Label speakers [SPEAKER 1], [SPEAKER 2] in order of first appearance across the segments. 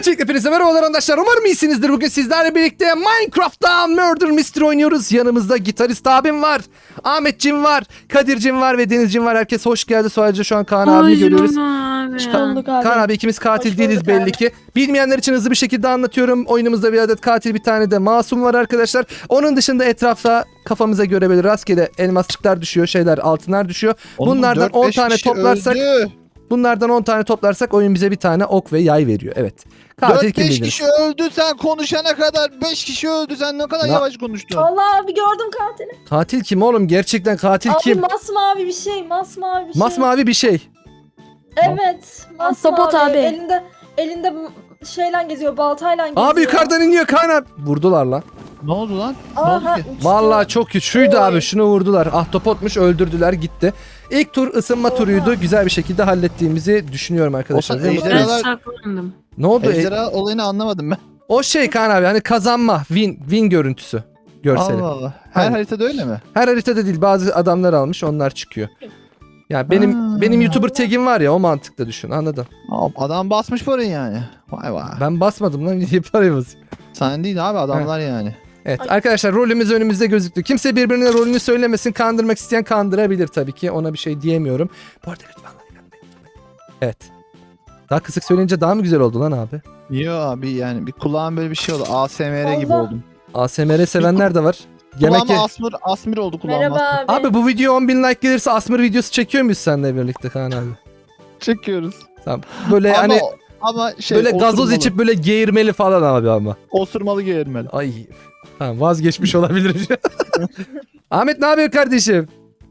[SPEAKER 1] Öncelikle hepinize merhabalar arkadaşlar. Umarım iyisinizdir. Bugün sizlerle birlikte Minecraft'ta Murder Mystery oynuyoruz. Yanımızda gitarist abim var. Ahmetciğim var. Kadir'cim var ve Deniz'cim var. Herkes hoş geldi. Sadece şu an Kaan abiyi görüyoruz. Kaan abi ikimiz katil değiliz belli ki. Bilmeyenler için hızlı bir şekilde anlatıyorum. Oyunumuzda bir adet katil, bir tane de masum var arkadaşlar. Onun dışında etrafta kafamıza göre böyle rastgele elmasçıklar düşüyor, şeyler, altınlar düşüyor. Bunlardan 10 tane toplarsak... Bunlardan 10 tane toplarsak oyun bize bir tane ok ve yay veriyor. Evet. Katil kim
[SPEAKER 2] 4-5
[SPEAKER 1] bilir?
[SPEAKER 2] kişi öldü sen konuşana kadar 5 kişi öldü sen ne kadar yavaş konuştun.
[SPEAKER 3] Allah abi gördüm katili.
[SPEAKER 1] Katil kim oğlum? Gerçekten katil
[SPEAKER 3] Abi
[SPEAKER 1] kim?
[SPEAKER 3] masmavi bir şey, masmavi bir şey.
[SPEAKER 1] Masmavi bir şey.
[SPEAKER 3] Evet,
[SPEAKER 4] Ahtapot
[SPEAKER 3] masmavi.
[SPEAKER 4] abi.
[SPEAKER 3] Elinde şeyle geziyor, baltayla geziyor.
[SPEAKER 1] Abi yukarıdan iniyor Kaan abi. Vurdular lan.
[SPEAKER 2] Ne oldu lan? Ne
[SPEAKER 3] Aha,
[SPEAKER 2] oldu ki?
[SPEAKER 3] uçtu.
[SPEAKER 1] Vallahi çok kötü. Şuydu
[SPEAKER 3] Oy.
[SPEAKER 1] abi, şunu vurdular. Ahtapotmuş, öldürdüler, gitti. İlk tur ısınma
[SPEAKER 3] Oha.
[SPEAKER 1] turuydu. Güzel bir şekilde hallettiğimizi düşünüyorum arkadaşlar.
[SPEAKER 2] O
[SPEAKER 1] Değil mi?
[SPEAKER 2] ejderha-
[SPEAKER 4] Ben
[SPEAKER 2] Ejderhalar-
[SPEAKER 4] saklandım.
[SPEAKER 1] Ne oldu?
[SPEAKER 2] Ejderha olayını anlamadım ben.
[SPEAKER 1] O şey Kaan abi, hani kazanma, win görüntüsü. Görseli.
[SPEAKER 2] Allah Allah. Her
[SPEAKER 1] Aynen.
[SPEAKER 2] haritada öyle mi?
[SPEAKER 1] Her haritada değil, bazı adamlar almış, onlar çıkıyor. Ya benim YouTuber tag'im var ya, o mantıkla düşün, anladın?
[SPEAKER 2] Adam basmış parayı yani. Vay vay.
[SPEAKER 1] Ben basmadım lan, niye parayı basayım?
[SPEAKER 2] Sen değil abi adamlar yani.
[SPEAKER 1] Evet arkadaşlar, rolümüz önümüzde gözüktü. Kimse birbirine rolünü söylemesin. Kandırmak isteyen kandırabilir tabii ki. Ona bir şey diyemiyorum. Bu arada lütfen like atmayı unutmayın. Evet. Daha kısık söyleyince daha mı güzel oldu lan abi?
[SPEAKER 2] Yo abi yani bir kulağım böyle bir şey oldu. ASMR gibi
[SPEAKER 3] Allah.
[SPEAKER 2] oldum.
[SPEAKER 1] ASMR sevenler de var. Yemek
[SPEAKER 2] Kulağıma asmir oldu kulağıma.
[SPEAKER 3] Merhaba abi.
[SPEAKER 1] Abi bu video 10.000 like gelirse Asmır videosu çekiyor muyuz seninle birlikte Kaan abi?
[SPEAKER 2] Çekiyoruz.
[SPEAKER 1] Tamam. Böyle hani
[SPEAKER 2] Ama şey
[SPEAKER 1] böyle gazoz
[SPEAKER 2] osurmalı.
[SPEAKER 1] içip böyle geğirmeli falan abi ama.
[SPEAKER 2] Osurmalı geğirmeli.
[SPEAKER 1] Ay. Tamam, vazgeçmiş olabilir. Ahmet ne yapıyor kardeşim?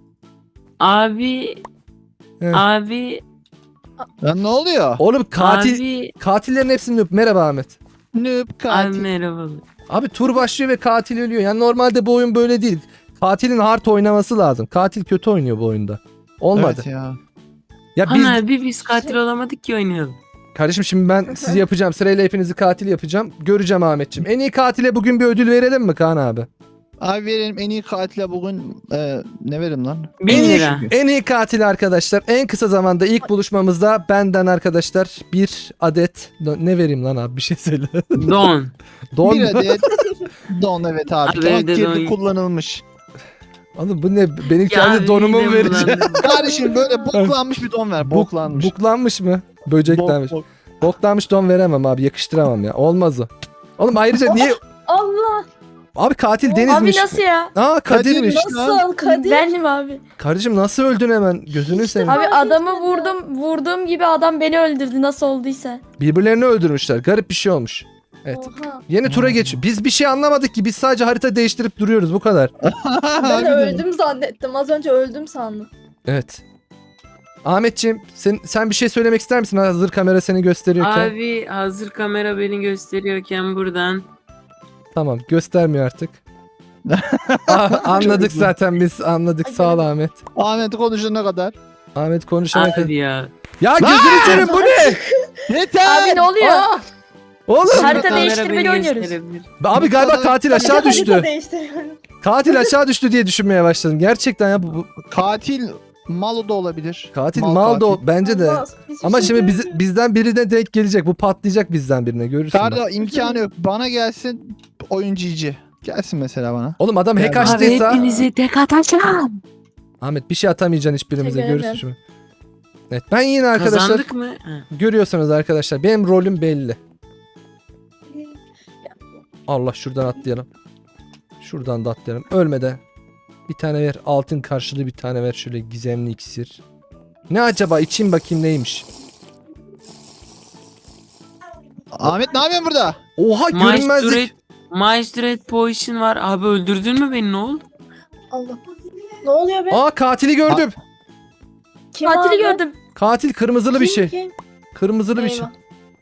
[SPEAKER 4] Abi,
[SPEAKER 1] Evet.
[SPEAKER 4] abi,
[SPEAKER 2] Lan ne oluyor?
[SPEAKER 1] Oğlum
[SPEAKER 4] abi,
[SPEAKER 1] katillerin hepsini öp. Merhaba Ahmet.
[SPEAKER 2] Noob
[SPEAKER 4] abi
[SPEAKER 2] katil.
[SPEAKER 4] merhaba.
[SPEAKER 1] Abi tur başlıyor ve katil ölüyor. Yani normalde bu oyun böyle değil. Katilin hard oynaması lazım. Katil kötü oynuyor bu oyunda. Olmadı.
[SPEAKER 2] Evet ya.
[SPEAKER 1] Ya biz
[SPEAKER 4] Ana biz katil olamadık ki oynayalım.
[SPEAKER 1] kardeşim, şimdi ben sizi yapacağım. Sırayla hepinizi katil yapacağım. Göreceğim Ahmetciğim. En iyi katile bugün bir ödül verelim mi Kaan abi?
[SPEAKER 2] Abi verelim en iyi katile bugün ne verim lan?
[SPEAKER 4] 1000 lira.
[SPEAKER 1] En iyi katil arkadaşlar. En kısa zamanda ilk buluşmamızda benden arkadaşlar bir adet ne vereyim lan abi, bir şey söyle.
[SPEAKER 4] Don.
[SPEAKER 1] Don.
[SPEAKER 2] Bir adet don evet abi.
[SPEAKER 4] Abi
[SPEAKER 2] Don
[SPEAKER 4] evde
[SPEAKER 2] kirli
[SPEAKER 4] don-
[SPEAKER 2] kullanılmış.
[SPEAKER 1] Oğlum bu ne? Benim
[SPEAKER 4] Ya
[SPEAKER 1] kendi donumu mu
[SPEAKER 4] midem
[SPEAKER 1] vereceğim?
[SPEAKER 4] bulandı.
[SPEAKER 2] Kardeşim böyle boklanmış bir don ver. Boklanmış.
[SPEAKER 1] Buklanmış mı? Böceklenmiş.
[SPEAKER 2] Bok.
[SPEAKER 1] Boklanmış don veremem abi. Yakıştıramam ya. Olmaz o. Oğlum ayrıca niye?
[SPEAKER 3] Allah.
[SPEAKER 1] Abi katil
[SPEAKER 4] Abi
[SPEAKER 1] Deniz'miş.
[SPEAKER 4] nasıl ya?
[SPEAKER 1] Aa Kadir'miş.
[SPEAKER 2] Kadir'miş.
[SPEAKER 3] Nasıl Kadir?
[SPEAKER 4] Benim abi.
[SPEAKER 1] Kardeşim nasıl öldün hemen? Gözünü seveyim.
[SPEAKER 4] Abi
[SPEAKER 3] Fark
[SPEAKER 4] adamı
[SPEAKER 3] etmedim.
[SPEAKER 4] vurduğum gibi adam beni öldürdü nasıl olduysa.
[SPEAKER 1] Birbirlerini öldürmüşler. Garip bir şey olmuş. Evet.
[SPEAKER 3] Oha.
[SPEAKER 1] Yeni tura geç. Biz bir şey anlamadık ki. Biz sadece harita değiştirip duruyoruz. Bu kadar.
[SPEAKER 3] Ben öldüm zannettim. Az önce öldüm sandım.
[SPEAKER 1] Evet. Ahmetciğim sen bir şey söylemek ister misin? Hazır kamera seni gösteriyorken.
[SPEAKER 4] Abi hazır kamera beni gösteriyorken buradan.
[SPEAKER 1] Tamam, göstermiyor artık. Anladık zaten biz. Anladık. Sağ ol Ahmet.
[SPEAKER 2] Ahmet konuşana kadar.
[SPEAKER 1] Ahmet konuşana kadar.
[SPEAKER 4] Abi ya.
[SPEAKER 1] Ya gözünü seveyim, bu ne?
[SPEAKER 2] Yeter.
[SPEAKER 4] Abi ne oluyor?
[SPEAKER 1] Aa! Oğlum.
[SPEAKER 4] Harita Kamera değiştirmeli beni oynuyoruz. gösterebilir.
[SPEAKER 1] Abi galiba katil aşağı
[SPEAKER 3] Harita
[SPEAKER 1] düştü.
[SPEAKER 3] değiştiriyorum.
[SPEAKER 1] Katil aşağı düştü diye düşünmeye başladım. Gerçekten ya bu
[SPEAKER 2] Katil Malo da olabilir.
[SPEAKER 1] katil mal da o, bence de.
[SPEAKER 3] Allah, hiçbir
[SPEAKER 1] Ama
[SPEAKER 3] şey
[SPEAKER 1] şimdi
[SPEAKER 3] görmüyorum.
[SPEAKER 1] bizden biri de denk gelecek. Bu patlayacak bizden birine, görürsün. bak.
[SPEAKER 2] Karda imkanı yok. Bana gelsin oyuncu iyici. Gelsin mesela bana.
[SPEAKER 1] Oğlum adam hack
[SPEAKER 2] Abi
[SPEAKER 1] açtıysa.
[SPEAKER 4] Abi hepinize tek atacağım.
[SPEAKER 1] Ahmet bir şey atamayacaksın hiçbirimize,
[SPEAKER 3] Teşekkür
[SPEAKER 1] görürsün
[SPEAKER 3] ederim.
[SPEAKER 1] şimdi. Evet, ben yine arkadaşlar
[SPEAKER 4] Kazandık mı? Ha.
[SPEAKER 1] görüyorsunuz arkadaşlar, benim rolüm belli. Allah, şuradan atlayalım. Şuradan da atlayalım. Ölmeden. Bir tane ver. Altın karşılığı bir tane ver. Şöyle gizemli iksir. Ne acaba? İçeyim bakayım neymiş.
[SPEAKER 2] Ahmet ne yapıyorsun burada?
[SPEAKER 1] Oha, görünmezlik.
[SPEAKER 4] Maestro Potion var. Abi öldürdün mü beni, ne oldu?
[SPEAKER 3] Allah. Ne oluyor be?
[SPEAKER 1] Aa, katili gördüm.
[SPEAKER 3] Kim
[SPEAKER 4] Katili
[SPEAKER 3] abi?
[SPEAKER 4] gördüm.
[SPEAKER 1] Katil kırmızılı bir şey.
[SPEAKER 3] Kim?
[SPEAKER 1] Kırmızılı bir şey.
[SPEAKER 3] Eyvah.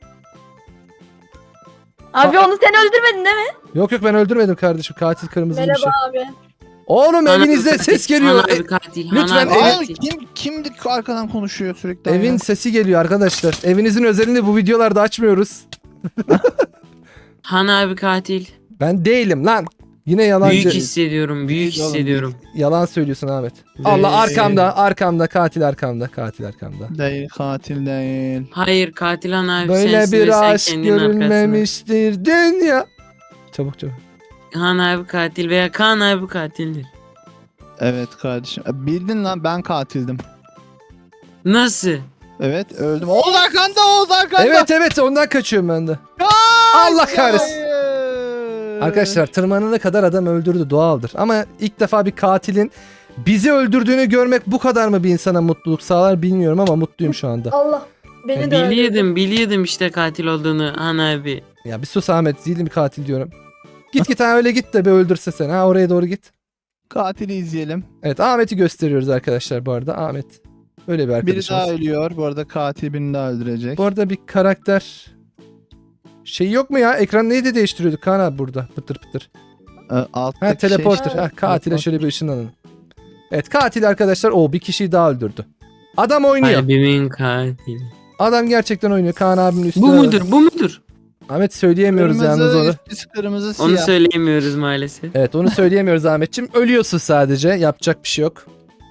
[SPEAKER 4] Abi onu sen öldürmedin değil mi?
[SPEAKER 1] Yok ben öldürmedim kardeşim. Katil kırmızılı bir şey.
[SPEAKER 3] Merhaba abi.
[SPEAKER 1] Oğlum
[SPEAKER 4] Han
[SPEAKER 1] evinizde
[SPEAKER 4] abi
[SPEAKER 1] ses
[SPEAKER 4] katil,
[SPEAKER 1] geliyor.
[SPEAKER 4] Han abi katil.
[SPEAKER 1] lütfen
[SPEAKER 4] Han abi
[SPEAKER 1] evin-
[SPEAKER 2] Aa,
[SPEAKER 4] katil.
[SPEAKER 2] kimdi arkadan konuşuyor sürekli?
[SPEAKER 1] Evin
[SPEAKER 2] ya?
[SPEAKER 1] sesi geliyor arkadaşlar. Evinizin özelini bu videolarda açmıyoruz.
[SPEAKER 4] Han abi katil.
[SPEAKER 1] Ben değilim lan. Yine yalancı.
[SPEAKER 4] Büyük hissediyorum. Büyük
[SPEAKER 2] Değil oğlum,
[SPEAKER 4] hissediyorum.
[SPEAKER 1] Yalan söylüyorsun Ahmet. Allah arkamda katil arkamda.
[SPEAKER 2] Değil, katil değil.
[SPEAKER 4] Hayır katil Han abi
[SPEAKER 1] Böyle
[SPEAKER 4] sensin ve
[SPEAKER 1] bir
[SPEAKER 4] sen
[SPEAKER 1] aşk
[SPEAKER 4] kendinin arkasına.
[SPEAKER 1] görülmemiştir dünya. Çabuk.
[SPEAKER 4] Han abi katil veya Kaan abi katildir.
[SPEAKER 2] Evet kardeşim. Bildin lan, ben katildim.
[SPEAKER 4] Nasıl?
[SPEAKER 2] Evet, öldüm. Oğuz arkanda.
[SPEAKER 1] Evet ondan kaçıyorum ben de. Allah kahretsin. Arkadaşlar tırmanana kadar adam öldürdü, doğaldır. Ama ilk defa bir katilin bizi öldürdüğünü görmek bu kadar mı bir insana mutluluk sağlar bilmiyorum ama mutluyum şu anda.
[SPEAKER 3] Allah beni de öldürdü.
[SPEAKER 4] Biliyordum işte katil olduğunu Han abi.
[SPEAKER 1] Ya bir sus Ahmet, değilim bir katil diyorum. Git ha, öyle git de bir öldürse seni. Ha, oraya doğru git.
[SPEAKER 2] Katili izleyelim.
[SPEAKER 1] Evet, Ahmet'i gösteriyoruz arkadaşlar bu arada. Ahmet öyle bir
[SPEAKER 2] Biri
[SPEAKER 1] arkadaşımız.
[SPEAKER 2] daha ölüyor. Bu arada katil birini daha öldürecek.
[SPEAKER 1] Bu arada bir karakter şey yok mu ya? Ekran neydi değiştiriyorduk Kaan abi burada? Pıtır.
[SPEAKER 2] Alttaki
[SPEAKER 1] Ha, teleporter.
[SPEAKER 2] şey-
[SPEAKER 1] Ha, katile şöyle bir ışınlanın. Evet, katil arkadaşlar o bir kişiyi daha öldürdü. Adam oynuyor.
[SPEAKER 4] Kalbimin katili.
[SPEAKER 1] Adam gerçekten oynuyor. Kaan abinin üstüne.
[SPEAKER 4] Bu mudur?
[SPEAKER 1] Ahmet söyleyemiyoruz yalnız onu.
[SPEAKER 2] Üstü kırmızı
[SPEAKER 4] Onu
[SPEAKER 2] siyah.
[SPEAKER 4] söyleyemiyoruz maalesef.
[SPEAKER 1] Evet, onu söyleyemiyoruz Ahmetçim. Ölüyorsun sadece. Yapacak bir şey yok.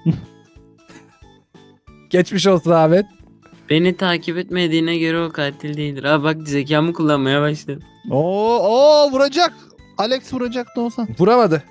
[SPEAKER 1] Geçmiş olsun Ahmet.
[SPEAKER 4] Beni takip etmediğine göre o katil değildir. Aa bak zekamı kullanmaya başladım.
[SPEAKER 2] Oo vuracak. Alex vuracak da olsan.
[SPEAKER 1] Vuramadı.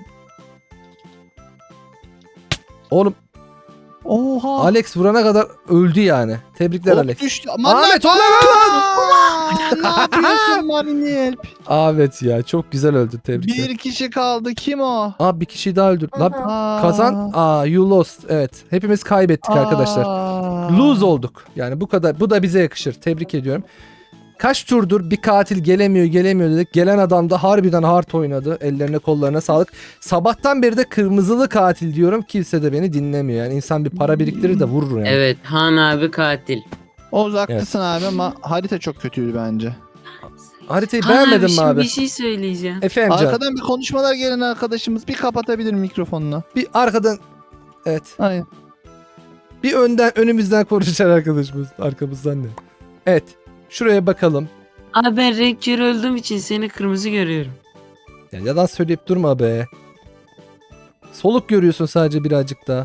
[SPEAKER 1] Oğlum
[SPEAKER 2] Oha.
[SPEAKER 1] Alex vurana kadar öldü yani. Tebrikler
[SPEAKER 2] Ok
[SPEAKER 1] Alex.
[SPEAKER 2] düştü.
[SPEAKER 1] Ahmet,
[SPEAKER 2] lan!
[SPEAKER 1] ulan!
[SPEAKER 2] Ne yapıyorsun Marinel?
[SPEAKER 1] Ahmet ya çok güzel öldü, tebrikler.
[SPEAKER 2] Bir kişi kaldı. Kim o?
[SPEAKER 1] Aa, bir kişiyi daha öldürdü. Lan
[SPEAKER 2] Aa.
[SPEAKER 1] kazan. You lost. Evet. Hepimiz kaybettik arkadaşlar. Lose olduk. Yani bu kadar. Bu da bize yakışır. Tebrik ediyorum. Kaç turdur bir katil gelemiyor dedik. Gelen adam da harbiden hard oynadı. Ellerine kollarına sağlık. Sabahtan beri de kırmızılı katil diyorum. Kimse de beni dinlemiyor. Yani insan bir para biriktirir de vurur yani.
[SPEAKER 4] Evet Han abi katil.
[SPEAKER 2] Oğuz haklısın abi ama harita çok kötüydü bence.
[SPEAKER 1] Haritayı
[SPEAKER 4] Han
[SPEAKER 1] beğenmedin mi
[SPEAKER 4] şimdi
[SPEAKER 1] abi?
[SPEAKER 4] bir şey söyleyeceğim.
[SPEAKER 1] Efendim canım.
[SPEAKER 2] Arkadan bir konuşmalar gelen arkadaşımız bir kapatabilir mikrofonunu.
[SPEAKER 1] Bir arkadan. Evet.
[SPEAKER 2] Hayır.
[SPEAKER 1] Bir önümüzden konuşan arkadaşımız. Arkamızdan ne? Evet. Şuraya bakalım.
[SPEAKER 4] Abi ben renk körü öldüğüm için seni kırmızı görüyorum.
[SPEAKER 1] Ya yalan söyleyip durma be. Soluk görüyorsun sadece birazcık daha.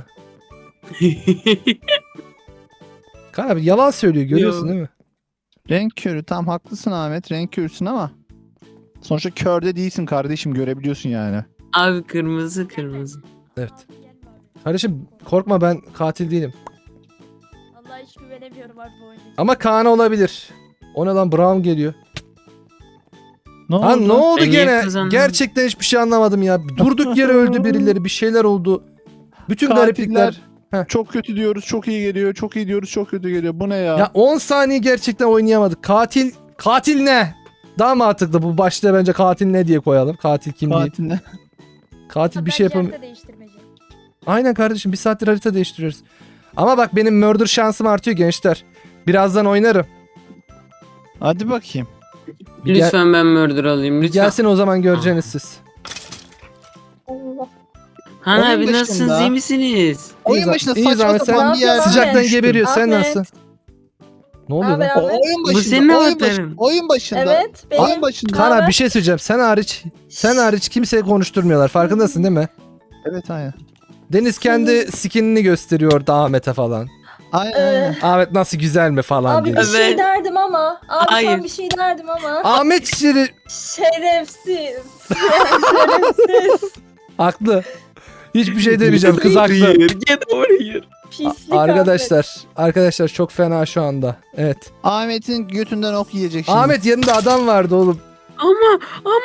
[SPEAKER 1] Kaan abi yalan söylüyor, görüyorsun
[SPEAKER 4] Yo.
[SPEAKER 1] değil mi?
[SPEAKER 2] Renk körü, tam haklısın Ahmet, renk körüsün ama sonuçta körde değilsin kardeşim, görebiliyorsun yani.
[SPEAKER 4] Abi kırmızı.
[SPEAKER 1] Evet. Kardeşim korkma, ben katil değilim.
[SPEAKER 3] Vallahi hiç güvenemiyorum abi bu oyuna.
[SPEAKER 1] Ama Kaan olabilir. O ne lan, Brown geliyor.
[SPEAKER 2] Ne
[SPEAKER 1] Ha ne oldu
[SPEAKER 4] Ben niye
[SPEAKER 1] gene?
[SPEAKER 4] kazandım?
[SPEAKER 1] Gerçekten hiçbir şey anlamadım ya. Durduk yere öldü birileri, bir şeyler oldu. Bütün gariplikler. Heh.
[SPEAKER 2] Çok kötü diyoruz, çok iyi geliyor, çok iyi diyoruz, çok kötü geliyor. Bu ne ya?
[SPEAKER 1] Ya 10 saniye gerçekten oynayamadık. Katil ne? Daha mantıklı bu, başta bence katil ne diye koyalım. Katil kim değil.
[SPEAKER 2] Katil ne?
[SPEAKER 1] Katil bir şey yapamıyor.
[SPEAKER 3] Harita değiştirmece.
[SPEAKER 1] Aynen kardeşim, bir saattir harita değiştiriyoruz. Ama bak benim murder şansım artıyor gençler. Birazdan oynarım.
[SPEAKER 2] Hadi bakayım.
[SPEAKER 1] Bir gel-
[SPEAKER 4] Lütfen ben murder alayım lütfen.
[SPEAKER 1] gelsin o zaman göreceğiniz siz.
[SPEAKER 3] Allah.
[SPEAKER 4] Han
[SPEAKER 2] Oyun
[SPEAKER 4] abi
[SPEAKER 2] başında.
[SPEAKER 4] nasılsınız iyi misiniz?
[SPEAKER 2] Oyun başında
[SPEAKER 1] İyi
[SPEAKER 2] saçma
[SPEAKER 1] zahmet,
[SPEAKER 2] sapan
[SPEAKER 3] sen
[SPEAKER 2] bir yer.
[SPEAKER 1] Sıcaktan
[SPEAKER 3] Ahmet.
[SPEAKER 1] geberiyor. Sen
[SPEAKER 3] Ahmet.
[SPEAKER 1] nasılsın? Ne oluyor
[SPEAKER 3] Haber
[SPEAKER 1] lan?
[SPEAKER 3] abi?
[SPEAKER 2] Oyun başında.
[SPEAKER 4] senin
[SPEAKER 2] oyun,
[SPEAKER 4] avatarın.
[SPEAKER 2] oyun başında.
[SPEAKER 3] Evet benim.
[SPEAKER 2] Oyun başında.
[SPEAKER 1] Kaan
[SPEAKER 3] Haber?
[SPEAKER 1] abi bir şey söyleyeceğim. Sen hariç kimseye konuşturmuyorlar. Farkındasın değil mi?
[SPEAKER 2] Evet aynen.
[SPEAKER 1] Deniz kendi skinini gösteriyor Ahmet'e falan.
[SPEAKER 2] Aynen.
[SPEAKER 3] Ee,
[SPEAKER 2] aynen.
[SPEAKER 1] Ahmet nasıl güzel mi falan
[SPEAKER 3] Abi
[SPEAKER 1] diye.
[SPEAKER 3] bir şey
[SPEAKER 4] Evet.
[SPEAKER 3] derdim ama. Abi
[SPEAKER 4] Hayır.
[SPEAKER 3] sen bir şey derdim ama.
[SPEAKER 1] Ahmet Şirin
[SPEAKER 3] Şerefsiz. Şerefsiz.
[SPEAKER 1] haklı. Hiçbir şey demeyeceğim, kız haklı.
[SPEAKER 4] Get over here.
[SPEAKER 3] Pislik
[SPEAKER 1] Arkadaşlar çok fena şu anda. Evet.
[SPEAKER 2] Ahmet'in götünden ok yiyecek şimdi.
[SPEAKER 1] Ahmet yanında adam vardı oğlum.
[SPEAKER 4] Ama.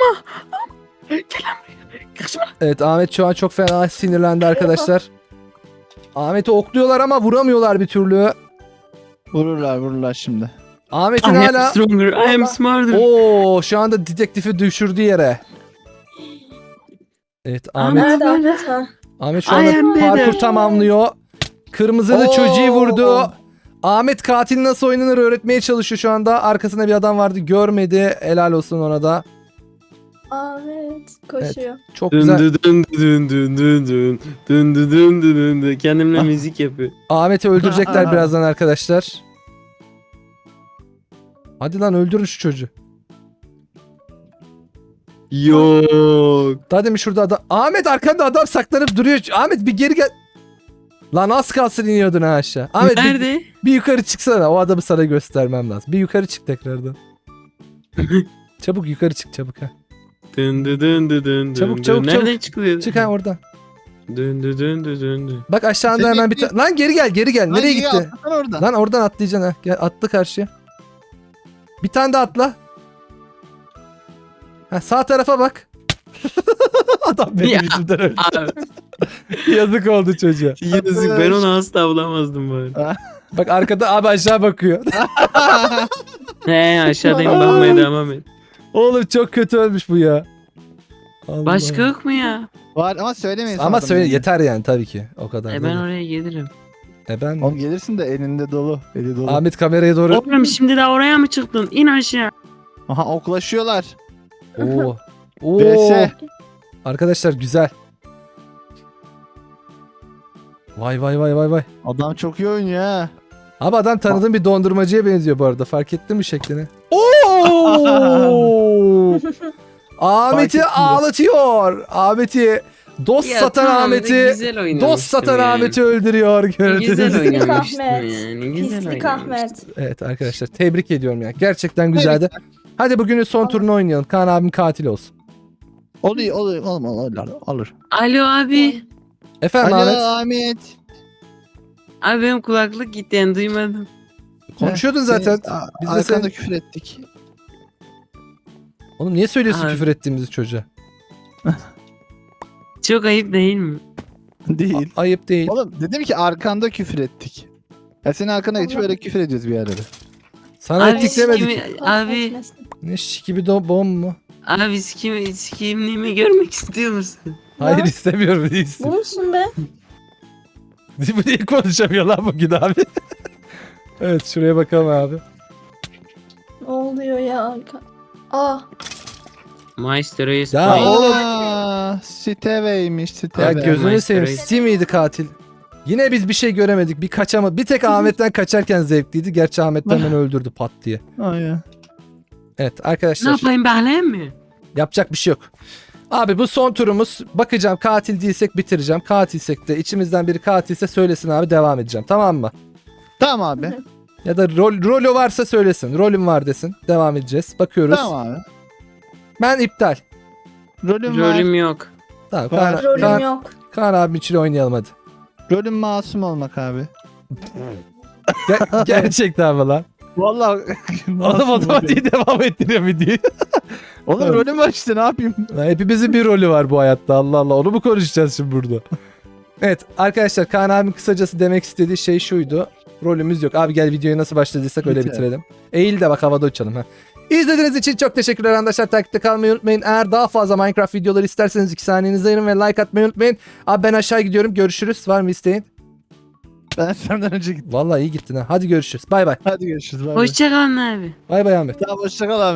[SPEAKER 1] Evet, Ahmet şu an çok fena sinirlendi arkadaşlar. Ahmet'i okluyorlar ama vuramıyorlar bir türlü.
[SPEAKER 2] Vururlar şimdi.
[SPEAKER 1] Ahmet'in
[SPEAKER 4] I am
[SPEAKER 1] hala...
[SPEAKER 4] stronger. I am smarter.
[SPEAKER 1] Oo, şu anda dedektifi düşürdü yere. Evet, Ahmet
[SPEAKER 3] Nerede Ahmet ha?
[SPEAKER 1] Ahmet şu
[SPEAKER 4] I
[SPEAKER 1] anda
[SPEAKER 4] am
[SPEAKER 1] parkur
[SPEAKER 4] better.
[SPEAKER 1] tamamlıyor. Kırmızılı
[SPEAKER 2] Oo.
[SPEAKER 1] çocuğu vurdu. Ahmet katil nasıl oynanır öğretmeye çalışıyor şu anda. Arkasında bir adam vardı, görmedi. Helal olsun ona da.
[SPEAKER 3] Ahmet koşuyor.
[SPEAKER 1] Çok
[SPEAKER 4] Dün
[SPEAKER 1] güzel.
[SPEAKER 4] dün dün dün dün dün dün dün dün dün dün dün. Kendimle müzik yapıyor.
[SPEAKER 1] Ahmet'i öldürecekler birazdan arkadaşlar. Hadi lan öldürün şu çocuğu.
[SPEAKER 4] Yok.
[SPEAKER 1] Daha demin şurada adam. Ahmet arkanda adam saklanıp duruyor. Ahmet bir geri gel. Lan az kalsın iniyordun ha aşağı. Ahmet
[SPEAKER 4] Nerede?
[SPEAKER 1] bir yukarı çıksana. O adamı sana göstermem lazım. Bir yukarı çık tekrardan. Çabuk yukarı çık çabuk ha.
[SPEAKER 4] Döndü döndü döndü.
[SPEAKER 1] Çabuk, çabuk,
[SPEAKER 4] Nereden
[SPEAKER 1] çabuk.
[SPEAKER 4] çıkılıyor?
[SPEAKER 1] Çık ha oradan.
[SPEAKER 4] Döndü döndü döndü.
[SPEAKER 1] Bak aşağında
[SPEAKER 2] Seni
[SPEAKER 1] hemen bir
[SPEAKER 2] bekliyor.
[SPEAKER 1] Lan geri gel. Nereye
[SPEAKER 2] Lan
[SPEAKER 1] gitti?
[SPEAKER 2] atlasana oradan.
[SPEAKER 1] Lan oradan atlayacaksın ha. Gel atla karşıya. Bir tane daha atla. Ha, sağ tarafa bak. Adam benim
[SPEAKER 4] Ya.
[SPEAKER 1] yüzümden öldü.
[SPEAKER 4] Abi
[SPEAKER 1] Yazık oldu çocuğa.
[SPEAKER 4] yazık, ben onu asla bulamazdım bari.
[SPEAKER 1] Bak arkada abi aşağı bakıyor.
[SPEAKER 4] He, aşağıdayım, bakmaya devam et.
[SPEAKER 1] Oğlum çok kötü ölmüş bu ya. Allah.
[SPEAKER 4] Başka yok mu ya?
[SPEAKER 2] Var ama söylemeyin.
[SPEAKER 1] Ama
[SPEAKER 2] sonradan
[SPEAKER 1] söyle
[SPEAKER 2] yani.
[SPEAKER 1] yeter yani tabii ki. O kadar.
[SPEAKER 4] Ben
[SPEAKER 1] değil.
[SPEAKER 4] oraya gelirim.
[SPEAKER 1] Ben
[SPEAKER 2] Oğlum gelirsin de elinde dolu. Eli dolu.
[SPEAKER 1] Ahmet kameraya doğru.
[SPEAKER 4] Oğlum şimdi de oraya mı çıktın? İn aşağı.
[SPEAKER 2] Aha oklaşıyorlar.
[SPEAKER 1] Oo. Oo.
[SPEAKER 2] BS.
[SPEAKER 1] Arkadaşlar güzel. Vay.
[SPEAKER 2] Adam çok iyi oynuyor ha.
[SPEAKER 1] Abi adam tanıdığım bir dondurmacıya benziyor bu arada. Fark ettin mi şeklini? Oo! Ahmet'i
[SPEAKER 2] Fark ettim.
[SPEAKER 1] ağlatıyor. Ahmet'i dost
[SPEAKER 4] Ya
[SPEAKER 1] satan
[SPEAKER 4] tamam da
[SPEAKER 1] Ahmet'i
[SPEAKER 4] güzel oynamıştım
[SPEAKER 1] dost satan
[SPEAKER 4] yani.
[SPEAKER 1] Ahmet'i öldürüyor.
[SPEAKER 4] Güzel
[SPEAKER 1] Gördünüz mü?
[SPEAKER 4] oynamıştım
[SPEAKER 3] Ahmet.
[SPEAKER 4] yani. Güzel
[SPEAKER 3] Pislik
[SPEAKER 4] oynamıştım.
[SPEAKER 3] Ahmet.
[SPEAKER 1] Evet arkadaşlar tebrik ediyorum ya. Gerçekten güzeldi. Hadi bugünün son turunu oynayalım. Kaan abim katil olsun.
[SPEAKER 2] Olur.
[SPEAKER 4] Alo abi.
[SPEAKER 1] Efendim
[SPEAKER 2] Alo
[SPEAKER 1] Ahmet.
[SPEAKER 2] Ahmet.
[SPEAKER 4] Abi benim kulaklık gitti yani, duymadım.
[SPEAKER 1] Konuşuyordun zaten. Biz de
[SPEAKER 2] Arkanda
[SPEAKER 1] sen...
[SPEAKER 2] küfür ettik.
[SPEAKER 1] Oğlum niye söylüyorsun
[SPEAKER 4] Abi.
[SPEAKER 1] küfür ettiğimizi çocuğa?
[SPEAKER 4] Çok ayıp değil mi?
[SPEAKER 2] Değil.
[SPEAKER 1] Ayıp değil.
[SPEAKER 2] Oğlum dedim ki arkanda küfür ettik. Ya senin arkana geçip öyle küfür ediyoruz bir yerlere.
[SPEAKER 1] Sana
[SPEAKER 4] Abi
[SPEAKER 1] ettik demedik.
[SPEAKER 4] Abi,
[SPEAKER 3] Etmesin.
[SPEAKER 1] Ne şikibi bom mu?
[SPEAKER 4] abi sikimliğimi görmek istiyor musun?
[SPEAKER 1] Hayır istemiyorum değilsin.
[SPEAKER 3] Bu musun be?
[SPEAKER 1] Bu niye konuşamıyor lan bugün abi? Evet şuraya bakalım abi.
[SPEAKER 3] Ne oluyor ya arka? Aa,
[SPEAKER 4] Maestro'yu
[SPEAKER 1] Ya
[SPEAKER 4] spy.
[SPEAKER 1] oğlum.
[SPEAKER 2] Steveymiş
[SPEAKER 1] Ya
[SPEAKER 2] Steve.
[SPEAKER 1] gözünü
[SPEAKER 4] Maestro
[SPEAKER 1] seveyim.
[SPEAKER 4] Reis.
[SPEAKER 1] Steve miydi katil? Yine biz bir şey göremedik. Bir kaçama. Bir tek Ahmet'ten kaçarken zevkliydi. Gerçi Ahmet'ten beni öldürdü pat diye.
[SPEAKER 2] Aynen.
[SPEAKER 1] Evet
[SPEAKER 4] Ne
[SPEAKER 1] arkadaşlar.
[SPEAKER 4] yapayım, bekleyeyim mi?
[SPEAKER 1] Yapacak bir şey yok. Abi bu son turumuz. Bakacağım katil değilsek bitireceğim. Katilsek de içimizden biri katilse söylesin abi devam edeceğim. Tamam mı?
[SPEAKER 2] Tamam abi.
[SPEAKER 1] Ya da rolü varsa söylesin. Rolüm var desin. Devam edeceğiz. Bakıyoruz.
[SPEAKER 2] Tamam abi.
[SPEAKER 1] Ben iptal.
[SPEAKER 2] Rolüm var.
[SPEAKER 4] Rolüm yok.
[SPEAKER 1] Tamam.
[SPEAKER 2] Var.
[SPEAKER 3] rolüm yok.
[SPEAKER 1] Kaan abim için oynayalım hadi.
[SPEAKER 2] Rolüm masum olmak abi.
[SPEAKER 1] Gerçekten mi lan?
[SPEAKER 2] Vallahi
[SPEAKER 1] Adam otomatiği devam ettiriyor videoyu.
[SPEAKER 2] Oğlum
[SPEAKER 1] Evet.
[SPEAKER 2] rolüm var işte ne yapayım?
[SPEAKER 1] Lan hepimizin bir rolü var bu hayatta. Allah Allah. Onu mu konuşacağız şimdi burada? Evet arkadaşlar Kaan abim kısacası demek istediği şey şuydu. Rolümüz yok. Abi gel videoya nasıl başladıysak öyle
[SPEAKER 2] Bitirelim.
[SPEAKER 1] bitirelim. Eğil de bak havada uçalım. Ha. İzlediğiniz için çok teşekkürler arkadaşlar. Takipte kalmayı unutmayın. Eğer daha fazla Minecraft videoları isterseniz 2 saniyenizi ayırın ve like atmayı unutmayın. Abi ben aşağı gidiyorum. Görüşürüz. Var mı isteğin?
[SPEAKER 2] Ben senden önce gittim.
[SPEAKER 1] Vallahi iyi gittin ha. Hadi görüşürüz. Bay bay.
[SPEAKER 2] Hadi görüşürüz. Bay bay.
[SPEAKER 4] Hoşçakalın abi.
[SPEAKER 1] Bay bay Ahmet.
[SPEAKER 2] Tamam hoşça kal abi.